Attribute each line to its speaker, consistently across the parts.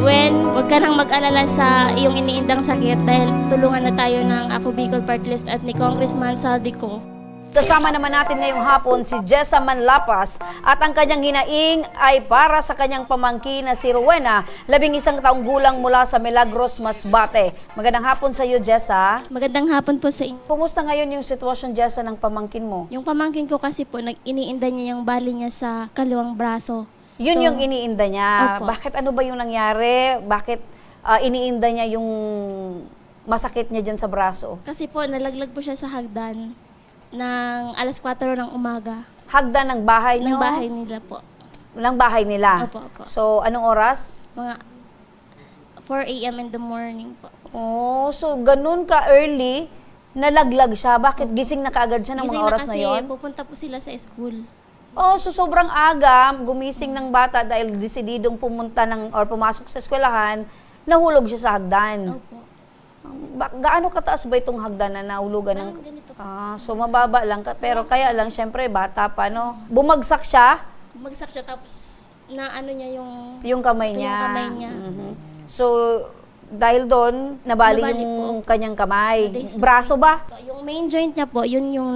Speaker 1: Ruwen, huwag ka nang mag-alala sa iyong iniindang sakit dahil tulungan na tayo ng Ako Bicol Party List at ni Congressman Saldico.
Speaker 2: Kasama naman natin ngayong hapon si Jessa Manlapas at ang kanyang hinaing ay para sa kanyang pamangkin na si Rowena, 11 taong gulang mula sa Milagros, Masbate. Magandang hapon sa iyo, Jessa.
Speaker 1: Magandang hapon po sa inyo.
Speaker 2: Kumusta ngayon yung sitwasyon, Jessa, ng pamangkin mo?
Speaker 1: Yung pamangkin ko kasi po, iniinda niya yung bali niya sa kaliwang braso.
Speaker 2: Yun
Speaker 1: So,
Speaker 2: yung iniinda niya.
Speaker 1: Opo.
Speaker 2: Bakit ano ba yung nangyari? Bakit iniinda niya yung masakit niya dyan sa braso?
Speaker 1: Kasi po, nalaglag po siya sa hagdan ng alas 4 ng umaga.
Speaker 2: Hagdan ng bahay niyo?
Speaker 1: Ng bahay nila po.
Speaker 2: Ng bahay nila?
Speaker 1: Opo, opo.
Speaker 2: So, anong oras?
Speaker 1: Mga 4 a.m. in the morning po.
Speaker 2: Oh, so ganun ka early, nalaglag siya. Bakit gising na kaagad siya ng
Speaker 1: Gising
Speaker 2: mga oras na
Speaker 1: kasi
Speaker 2: yon?
Speaker 1: pupunta po sila sa school.
Speaker 2: Oh, so sobrang aga, gumising ng bata dahil desididong pumunta or pumasok sa eskwelahan, nahulog siya sa hagdan.
Speaker 1: Opo.
Speaker 2: Gaano kataas ba itong hagdan na nahulugan ng...
Speaker 1: Parang ganito po.
Speaker 2: So mababa lang, pero kaya lang, syempre, bata pa, no? Bumagsak siya,
Speaker 1: Bumagsak siya tapos na ano niya
Speaker 2: yung kamay
Speaker 1: Yung
Speaker 2: niya.
Speaker 1: kamay niya.
Speaker 2: Mhm. So, dahil doon, nabali
Speaker 1: Nabali
Speaker 2: yung
Speaker 1: po.
Speaker 2: kanyang kamay.
Speaker 1: Nadislocate.
Speaker 2: Braso ba?
Speaker 1: Yung main joint niya po, yun yung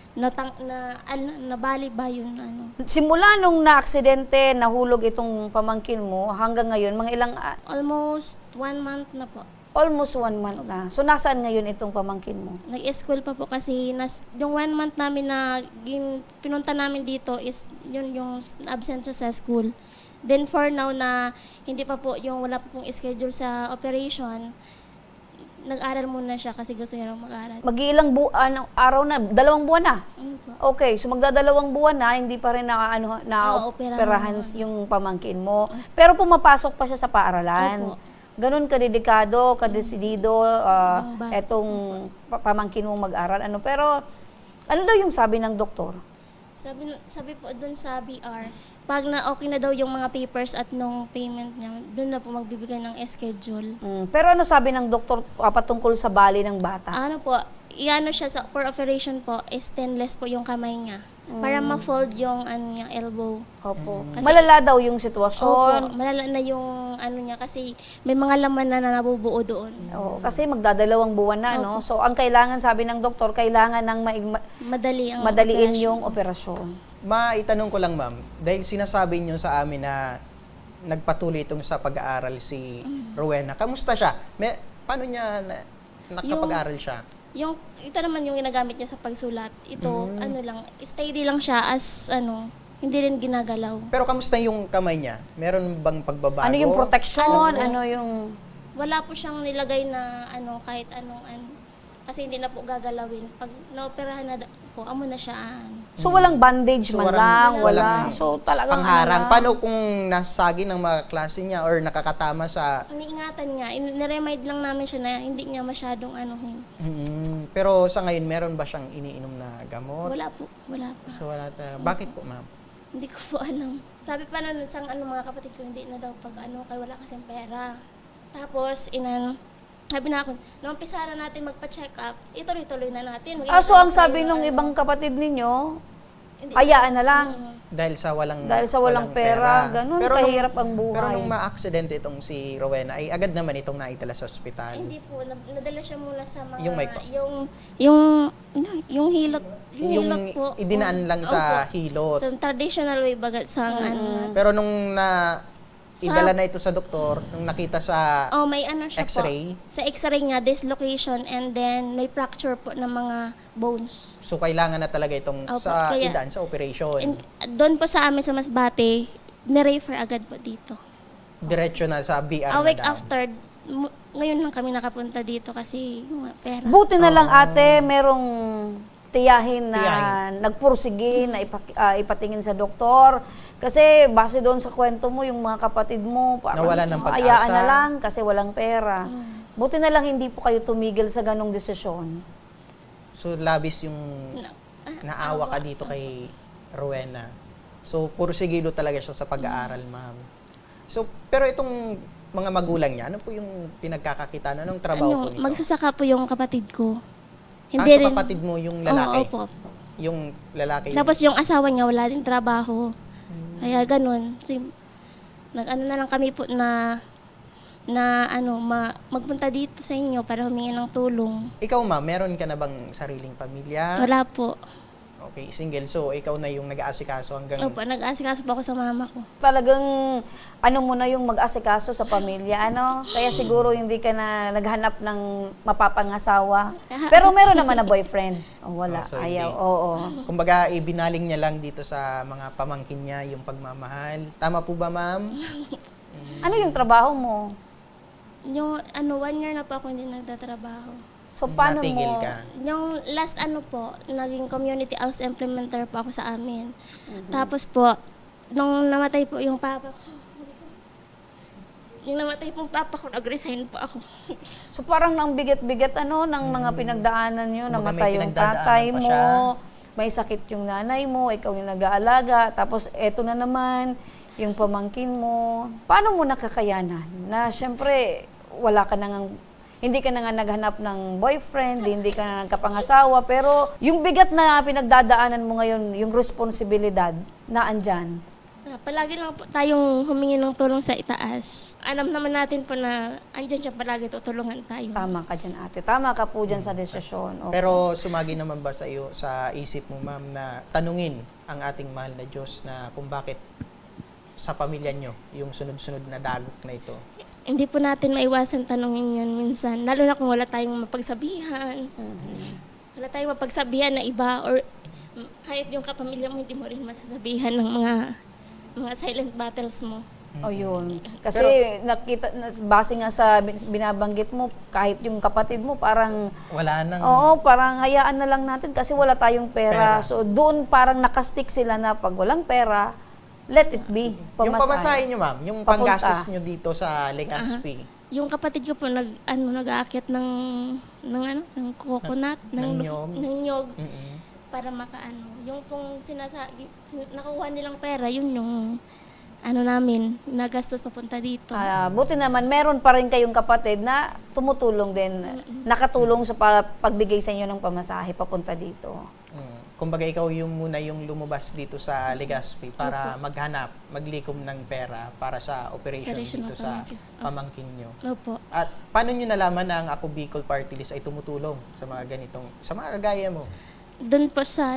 Speaker 1: nabali ba yun ano.
Speaker 2: Simula nung na-aksidente, nahulog itong pamangkin mo, hanggang ngayon, mga ilang,
Speaker 1: Almost 1 month na po.
Speaker 2: almost 1 month na. So, nasaan ngayon itong pamangkin mo?
Speaker 1: Nag-school pa po kasi yung 1 month namin na pinunta namin dito is yun yung absent siya sa school. Then for now na hindi pa po yung wala pa pong schedule sa operation, nag-aral muna siya kasi gusto niya lang mag-aral.
Speaker 2: Mag-iilang araw na, 2 buwan na.
Speaker 1: Ano po?
Speaker 2: Okay, so magdadalawang buwan na, hindi pa rin
Speaker 1: Naoperahan.
Speaker 2: operahan yung pamangkin mo. Pero pumapasok pa siya sa paaralan.
Speaker 1: Opo.
Speaker 2: Ganun kadedikado, kadesidido,
Speaker 1: Ang bata.
Speaker 2: etong pamangkin mong mag-aral. Pero, ano daw yung sabi ng doktor?
Speaker 1: Sabi po doon sa BR, pag na okay na daw yung mga papers at nung payment niya, doon na po magbibigay ng schedule.
Speaker 2: Pero ano sabi ng doktor patungkol sa bali ng bata?
Speaker 1: Ano po, iano siya for operation po, is stainless po yung kamay niya. Para ma-fold yung ano niya, elbow.
Speaker 2: Opo.
Speaker 1: Kasi-
Speaker 2: Malala daw yung
Speaker 1: Opo,
Speaker 2: sitwasyon.
Speaker 1: malala na yung ano niya kasi may mga laman na nabubuo doon.
Speaker 2: Oo, kasi magdadalawang buwan na, no? So, ang kailangan, sabi ng doktor, kailangan ng
Speaker 1: Madaliin
Speaker 2: madaliin yung operasyon.
Speaker 3: Maitanong ko lang, ma'am, dahil sinasabi niyo sa amin na nagpatuloy itong sa pag-aaral si Rowena. Kamusta siya? Paano niya nakapag-aaral siya?
Speaker 1: Yung ito naman yung ginagamit niya sa pagsulat. Ito ano lang, steady lang siya as hindi rin ginagalaw.
Speaker 3: Pero kamusta yung kamay niya? Meron bang pagbabago?
Speaker 2: Ano yung protection?
Speaker 1: Ano?
Speaker 2: Ano yung...
Speaker 1: Wala po siyang nilagay na kahit anong kasi hindi na po gagalawin. Pag naoperahan na po, amo na siya.
Speaker 2: So, walang bandage
Speaker 3: So,
Speaker 2: man
Speaker 3: walang-
Speaker 2: lang, wala.
Speaker 3: walang
Speaker 2: So, talagang
Speaker 3: pangharang.
Speaker 2: ano
Speaker 3: Paano kung nasagi ng mga klase niya or nakakatama sa...
Speaker 1: Iniingatan niya, niremind lang namin siya na hindi niya masyadong anuhin.
Speaker 3: Pero sa ngayon, meron ba siyang iniinom na gamot?
Speaker 1: Wala po, wala pa.
Speaker 3: So, wala Bakit po, ma'am?
Speaker 1: Hindi ko po alam. Sabi pa na sa mga kapatid ko, hindi na daw pag kay wala kasing pera. Tapos, sabi na ako, nung umpisa na natin magpa-check up, ituloy-tuloy na natin.
Speaker 2: So, ang sabi nung ibang kapatid ninyo,
Speaker 1: Hindi.
Speaker 2: hayaan na lang.
Speaker 3: Dahil sa walang
Speaker 2: pera. Ganun, kahirap ang buhay.
Speaker 3: Pero nung ma-aksidente itong si Rowena, ay agad naman itong naitala sa ospital.
Speaker 1: Hindi po, nadala siya muna sa mga,
Speaker 3: Yung mic po.
Speaker 1: yung hilot, yung hilot po.
Speaker 3: idinaan lang sa hilot.
Speaker 1: Sa traditional way bagat sa ano.
Speaker 3: Pero nung idala na ito sa doktor, nung nakita sa
Speaker 1: May ano siya
Speaker 3: X-ray?
Speaker 1: po. Sa X-ray niya, dislocation and then may fracture po ng mga bones.
Speaker 3: so kailangan na talaga itong
Speaker 1: Opo,
Speaker 3: sa
Speaker 1: kaya-
Speaker 3: idaan sa operation.
Speaker 1: And doon po sa amin sa Masbate, nirefer agad po dito.
Speaker 3: Diretso na sa BR
Speaker 1: A
Speaker 3: na
Speaker 1: week
Speaker 3: daw.
Speaker 1: after, ngayon lang kami nakapunta dito kasi yung pera.
Speaker 2: Buti na lang ate, merong tiyahin na
Speaker 3: Tiyahin.
Speaker 2: nagpursige, na ipatingin sa doktor. Kasi base doon sa kwento mo, yung mga kapatid mo, parang
Speaker 3: Nawalan ng pag-asa.
Speaker 2: hayaan na lang kasi walang pera. Buti na lang hindi po kayo tumigil sa ganong desisyon.
Speaker 3: So labis yung naawa ka
Speaker 1: awa.
Speaker 3: dito kay Rowena. So pursigido talaga siya sa pag-aaral, ma'am. So pero itong mga magulang niya, ano po yung pinagkakakitaan? Anong trabaho po nito?
Speaker 1: Magsasaka po yung kapatid ko.
Speaker 3: Sa kapatid mo yung lalaki?
Speaker 1: Oo, opo.
Speaker 3: Yung lalaki.
Speaker 1: Tapos yung asawa niya wala din trabaho. Kaya ganun. Nag-ano na lang kami po na na magpunta dito sa inyo para humingi ng tulong.
Speaker 3: Ikaw ma'am, meron ka na bang sariling pamilya?
Speaker 1: Wala po.
Speaker 3: Okay, single. So, ikaw na yung nag-aasikaso hanggang...
Speaker 1: Opo, nag-aasikaso po ako sa mama ko.
Speaker 2: Talagang mo na yung mag-asikaso sa pamilya, Kaya siguro hindi ka na naghanap ng mapapangasawa. Pero meron naman na boyfriend. Oh, wala,
Speaker 3: So,
Speaker 2: ayaw,
Speaker 3: hindi.
Speaker 2: oo.
Speaker 3: Kumbaga, ibinaling niya lang dito sa mga pamangkin niya yung pagmamahal. Tama po ba, ma'am?
Speaker 2: Ano yung trabaho mo?
Speaker 1: Yung 1 year na po ako hindi nagtatrabaho.
Speaker 2: So, paano
Speaker 3: Natigil
Speaker 2: mo?
Speaker 3: ka.
Speaker 1: Yung last po, naging community health implementer po ako sa amin. Tapos po, nung namatay po yung papa ko, nag-resign po ako.
Speaker 2: So, parang ang bigat-bigat, ng mga pinagdaanan nyo,
Speaker 3: Kumbaga, may
Speaker 2: namatay yung
Speaker 3: pinagdadaanan
Speaker 2: tatay
Speaker 3: pa
Speaker 2: mo,
Speaker 3: siya.
Speaker 2: may sakit yung nanay mo, ikaw yung nag-aalaga, tapos eto na naman, yung pamangkin mo. Paano mo nakakayanan? Na syempre, wala ka nang hindi ka na nga naghanap ng boyfriend, hindi ka na nagkapangasawa, pero yung bigat na pinagdadaanan mo ngayon, yung responsibilidad na andyan.
Speaker 1: Palagi lang po tayong humingi ng tulong sa itaas. Alam naman natin po na andyan siya palagi, tutulungan tayo.
Speaker 2: Tama ka dyan, ate. Tama ka po dyan sa desisyon. Okay.
Speaker 3: Pero sumagi naman ba sa iyo, sa isip mo, ma'am, na tanungin ang ating mahal na Diyos na kung bakit sa pamilya nyo yung sunod-sunod na dagok na ito?
Speaker 1: Hindi po natin maiwasan tanongin yan minsan. Lalo na kung wala tayong mapagsabihan. Wala tayong mapagsabihan na iba or kahit yung kapamilya mo, hindi mo rin masasabihan ng mga silent battles mo.
Speaker 2: O yun. Kasi base nga sa binabanggit mo, kahit yung kapatid mo, parang,
Speaker 3: Wala nang...
Speaker 2: oo, parang hayaan na lang natin kasi wala tayong pera.
Speaker 3: Pera.
Speaker 2: So doon parang nakastick sila na pag walang pera, let it be.
Speaker 3: Yung pamasahe nyo, ma'am, yung
Speaker 2: Papunta.
Speaker 3: panggastos nyo dito sa Legazpi,
Speaker 1: Yung kapatid ko po nag-aakyat ng coconut,
Speaker 3: ng nyog.
Speaker 1: ng nyog
Speaker 3: Mm-mm.
Speaker 1: para yung pong nakuha nilang pera, yun yung namin, nagastos papunta dito.
Speaker 2: Buti naman, meron pa rin kayong kapatid na tumutulong din, nakatulong sa pagbigay sa inyo ng pamasahe papunta dito.
Speaker 3: Kumbaga ikaw yung muna yung lumabas dito sa Legazpi para maghanap, maglikom ng pera para sa operation
Speaker 1: Operation
Speaker 3: dito
Speaker 1: ng
Speaker 3: sa
Speaker 1: pamangkin.
Speaker 3: pamangkin nyo.
Speaker 1: Opo.
Speaker 3: At paano nyo nalaman na ang Ako Bicol Party List ay tumutulong sa mga ganitong, sa mga kagaya mo?
Speaker 1: Doon po sa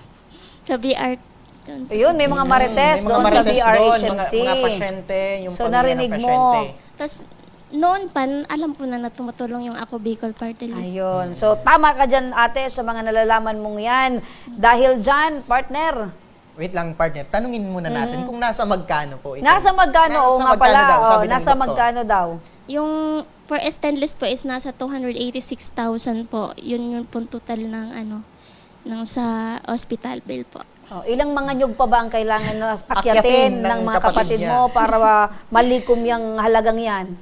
Speaker 1: BR. Doon po
Speaker 2: Ayun, may mga marites
Speaker 3: May mga
Speaker 2: doon sa
Speaker 3: marites doon,
Speaker 2: BRHMC.
Speaker 3: mga pasyente, yung
Speaker 2: So,
Speaker 3: pamilya
Speaker 2: narinig
Speaker 3: ng
Speaker 2: mo.
Speaker 3: pasyente.
Speaker 1: Tapos, noon pa, alam ko na tumutulong yung Ako Bicol Party List.
Speaker 2: Ayun. So, tama ka dyan, ate, sa mga nalalaman mong yan. Dahil dyan, partner,
Speaker 3: Wait lang, partner. Tanungin muna natin kung nasa magkano po ito.
Speaker 2: nasa magkano? Oo nga pala.
Speaker 3: daw,
Speaker 2: Oo,
Speaker 3: sabi ng
Speaker 2: nasa
Speaker 3: doktor.
Speaker 2: magkano daw?
Speaker 1: Yung for stainless po is nasa 286,000 po. Yun yung pong total ng sa hospital bill po.
Speaker 2: Oh, ilang mga nyug pa ba ang kailangan na
Speaker 3: Akyatin
Speaker 2: akyatin
Speaker 3: ng
Speaker 2: ng mga
Speaker 3: kapatid
Speaker 2: kapatid
Speaker 3: niya.
Speaker 2: mo para malikom yung halagang yan?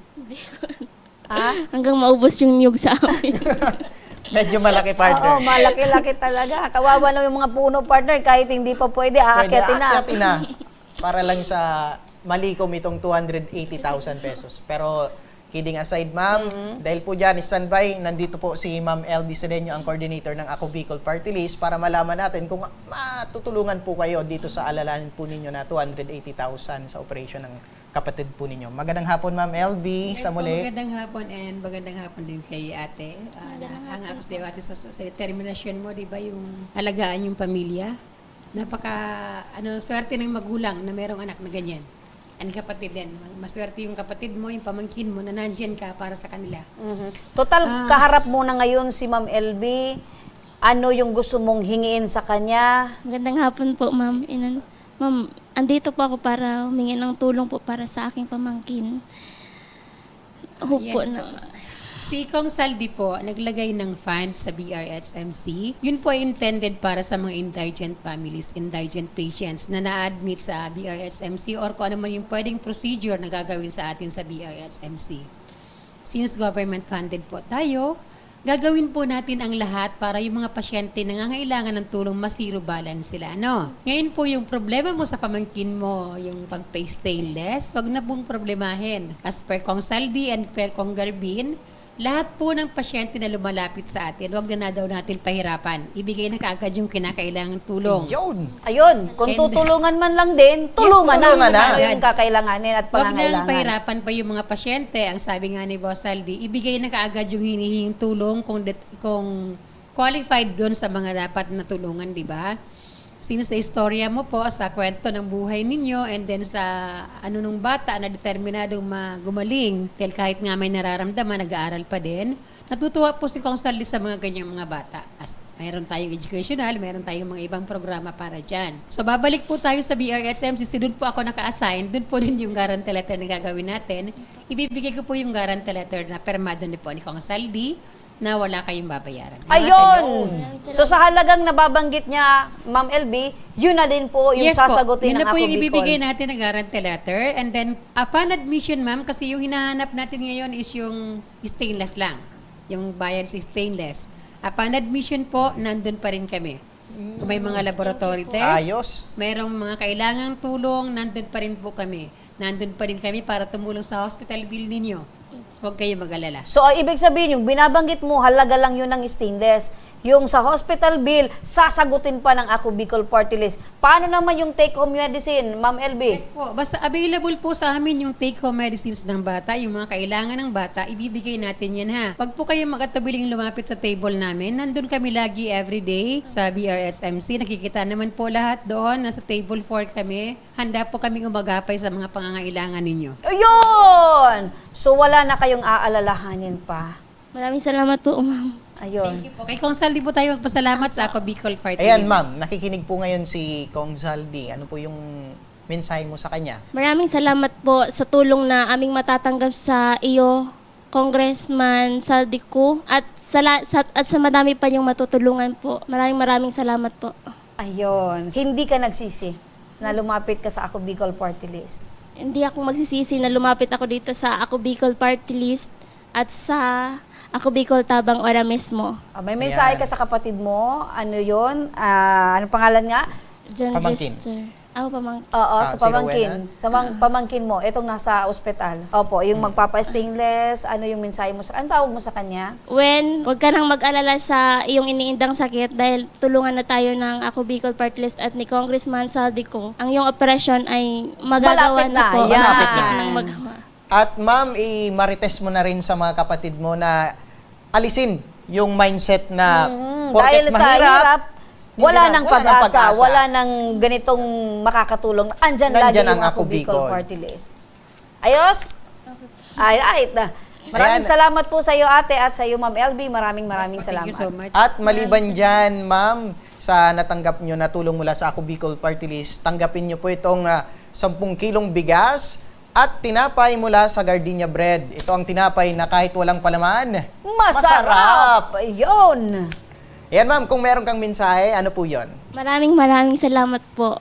Speaker 2: Ha?
Speaker 1: Hanggang maubos yung nyug sa amin.
Speaker 3: Medyo malaki,
Speaker 2: Oo,
Speaker 3: partner.
Speaker 2: malaki-laki talaga. Kawawa na yung mga puno, partner, kahit hindi pa pwede, aakyatin na.
Speaker 3: Aakyatin na. Para lang sa malikom itong 280,000 pesos. Pero kidding aside, ma'am, dahil po dyan, standby, nandito po si Ma'am LB Sedeño, ang coordinator ng Ako Bicol Party List, para malaman natin kung matutulungan po kayo dito sa alalahanin po ninyo na 280,000 sa operation ng kapatid po ninyo. Magandang hapon, Ma'am LB,
Speaker 4: Yes
Speaker 3: sa
Speaker 4: po,
Speaker 3: muli.
Speaker 4: magandang hapon and magandang hapon din kay ate. Ang ako sa iyo ate sa determinasyon mo, di ba, yung alagaan yung pamilya. Swerte ng magulang na merong anak na ganyan. And kapatid din. Maswerte yung kapatid mo, yung pamangkin mo na nandyan ka para sa kanila.
Speaker 2: Total, kaharap mo na ngayon si Ma'am LB. Ano yung gusto mong hingiin sa kanya?
Speaker 1: Magandang hapon po, ma'am. Ma'am, andito po ako para humingi ng tulong po para sa aking pamangkin. Hupo
Speaker 4: Yes
Speaker 1: na.
Speaker 4: po. Si Kong Saldi po, naglagay ng fund sa BRHMC. Yun po ay intended para sa mga indigent families, indigent patients na na-admit sa BRHMC or kung ano man yung pwedeng procedure na gagawin sa atin sa BRHMC. Since government funded po tayo, gagawin po natin ang lahat para yung mga pasyente na nangangailangan ng tulong masiro balance sila. Ngayon po yung problema mo sa pamangkin mo, yung pag-pay stainless, wag na pong problemahin. As per Kong Saldi and per Kong Garbin, lahat po ng pasyente na lumalapit sa atin, wag na daw natin pahirapan. Ibigay na kaagad yung kinakailangang tulong.
Speaker 3: Yun.
Speaker 2: Ayun, kung
Speaker 4: And-
Speaker 2: tutulungan man lang din, tulungan
Speaker 3: tulungan
Speaker 2: na.
Speaker 3: na.
Speaker 2: Ano yung kakailanganin at
Speaker 4: Huwag nang
Speaker 2: pangangailangan.
Speaker 4: pahirapan pa yung mga pasyente. Ang sabi nga ni Boss Aldi, ibigay na kaagad yung hinihinging tulong kung qualified doon sa mga dapat na tulungan, di ba? Since sa istorya mo po, sa kwento ng buhay ninyo, and then sa ano nung bata na determinadong gumaling, dahil kahit nga may nararamdaman, nag-aaral pa din, natutuwa po si Kong Saldi sa mga ganyang mga bata. Mayroon tayong educational, mayroon tayong mga ibang programa para dyan. So, babalik po tayo sa BRSMCC. Doon po ako naka-assign. Doon po din yung guarantee letter na gagawin natin. Ibibigay ko po yung guarantee letter na permado na po ni Kong Saldi na wala kayong babayaran.
Speaker 2: Ayun! So sa halagang nababanggit niya, Ma'am LB, yun na din po yung sasagutin
Speaker 4: Yun
Speaker 2: ng
Speaker 4: na po
Speaker 2: Ako
Speaker 4: yung ibibigay
Speaker 2: Bicol.
Speaker 4: natin na guarantee letter. And then, upon admission, ma'am, kasi yung hinahanap natin ngayon is yung stainless lang. Yung bayad sa stainless. Upon admission po, nandun pa rin kami. Kung may mga laboratory test,
Speaker 3: Ayos.
Speaker 4: mayroong mga kailangang tulong, nandun pa rin po kami. Nandun pa rin kami para tumulong sa hospital bill ninyo. Huwag kayo mag-alala.
Speaker 2: So, ibig sabihin, yung binabanggit mo, halaga lang yun ng stainless. Yung sa hospital bill, sasagutin pa ng Ako Bicol Party List. Paano naman yung take-home medicine, Ma'am LB?
Speaker 4: Yes po. Basta available po sa amin yung take-home medicines ng bata, yung mga kailangan ng bata, ibibigay natin yan ha. Wag po kayo magkatabiling lumapit sa table namin. Nandun kami lagi everyday sa BRSMC. Nakikita naman po lahat doon. Nasa table 4 kami. Handa po kaming umagapay sa mga pangangailangan ninyo.
Speaker 2: Ayun! So, wala na kayong aalalahanin pa.
Speaker 1: Maraming salamat po, ma'am.
Speaker 2: Ayun.
Speaker 4: Thank you po. Kay Kong Saldi po tayo magpasalamat sa Ako Bicol Party
Speaker 3: Ayan,
Speaker 4: List.
Speaker 3: ma'am. Nakikinig po ngayon si Kong Zaldi. Ano po yung mensahe mo sa kanya?
Speaker 1: Maraming salamat po sa tulong na aming matatanggap sa iyo, Congressman Saldico, at sa madami pa yung matutulungan po. Maraming salamat po.
Speaker 2: Ayun. Hindi ka nagsisi na lumapit ka sa Ako Bicol Party List.
Speaker 1: Hindi ako magsisisi na lumapit ako dito sa Ako Bicol Party List at sa Ako Bicol Tabang Ora mismo.
Speaker 2: May mensahe ka sa kapatid mo. Ano yun? Ano pangalan nga?
Speaker 1: John
Speaker 3: Pamangkin.
Speaker 1: Jester. Ako pamangkin.
Speaker 2: Oo, sa
Speaker 3: Si
Speaker 2: pamangkin.
Speaker 3: Rowena?
Speaker 2: Sa pamangkin mo, itong nasa ospital. Opo, yung magpapa-stainless, ano yung mensahe mo sa... Anong tawag mo sa kanya?
Speaker 1: When, huwag ka nang mag-alala sa iyong iniindang sakit dahil tulungan na tayo ng Ako Bicol Party List at ni Congressman Saldico. Ang iyong operasyon ay magagawa
Speaker 2: Malapit na.
Speaker 1: na po.
Speaker 2: Yan.
Speaker 1: Malapit na nang magawa.
Speaker 3: At ma'am, i-marites mo na rin sa mga kapatid mo na alisin yung mindset na
Speaker 2: Dahil
Speaker 3: porket
Speaker 2: sa
Speaker 3: mahirap,
Speaker 2: hirap, wala nang pag-asa,
Speaker 3: pag-asa.
Speaker 2: wala nang ganitong makakatulong. Andyan lagi
Speaker 3: Nandyan
Speaker 2: yung
Speaker 3: ang
Speaker 2: Ako
Speaker 3: Ako
Speaker 2: Bicol
Speaker 3: Bicol.
Speaker 2: Party List. Ayos? Ay, right. Maraming
Speaker 3: Ayan.
Speaker 2: salamat po sa iyo, ate, at sa iyo, Ma'am LB. Maraming
Speaker 4: Thank
Speaker 2: salamat.
Speaker 4: you so much.
Speaker 3: At maliban dyan, ma'am, sa natanggap nyo na tulong mula sa Ako Bicol Party List, tanggapin nyo po itong 10 kilong bigas at tinapay mula sa Gardenia Bread. Ito ang tinapay na kahit walang palaman,
Speaker 2: Masarap! Ayun!
Speaker 3: Ayan ma'am, kung meron kang mensahe, ano po yon?
Speaker 1: Maraming salamat po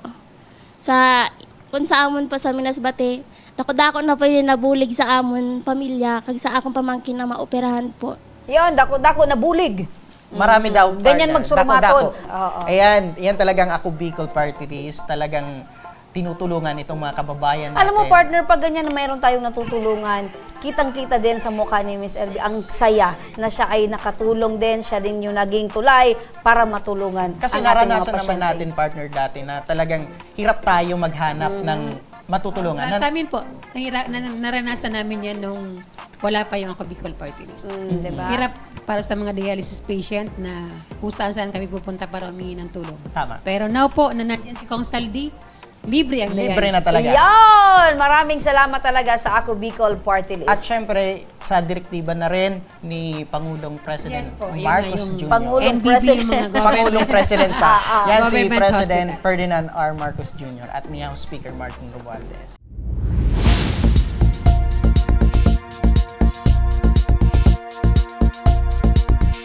Speaker 1: kung sa amon po sa Minasbate. Dako na po yung nabulig sa amon pamilya kag sa akong pamangkin na maoperahan po.
Speaker 2: Yun, dako na bulig.
Speaker 3: Marami daw.
Speaker 2: Ganyan
Speaker 3: partner.
Speaker 2: magsurmatod.
Speaker 3: Dako-dako.
Speaker 2: Oo.
Speaker 3: Ayan, yan talagang Ako Bicol Party List. Talagang tinutulungan itong mga kababayan natin.
Speaker 2: Alam mo, partner, pag ganyan na mayroon tayong natutulungan, kitang-kita din sa mukha ni Miss LB ang saya na siya ay nakatulong din, siya din yung naging tulay para matulungan
Speaker 3: Kasi
Speaker 2: ang ating mga
Speaker 3: naranasan naman
Speaker 2: pasyente.
Speaker 3: natin, partner, dati na talagang hirap tayo maghanap ng matutulungan.
Speaker 4: Sa amin po, naranasan namin yan nung wala pa yung Ako Bicol Party List.
Speaker 2: Diba?
Speaker 4: Hirap para sa mga dialysis patient na kung saan kami pupunta para humingi ng tulong.
Speaker 3: Tama.
Speaker 4: Pero now po, na nandiyan si Kong Saldi, libre ang dialysis.
Speaker 3: Libre na talaga.
Speaker 2: Yan! Maraming salamat talaga sa Ako Bicol Party List.
Speaker 3: At syempre, sa direktiba na rin ni Pangulong President
Speaker 4: Yes po, yun
Speaker 3: Marcos
Speaker 4: na yung
Speaker 3: Jr.
Speaker 2: Pangulong
Speaker 4: NBB
Speaker 2: President.
Speaker 4: yung mga government.
Speaker 3: Pangulong President pa. Yan si
Speaker 4: Government
Speaker 3: President
Speaker 4: hospital.
Speaker 3: Ferdinand R. Marcos Jr. at ni House Speaker Martin Romualdez.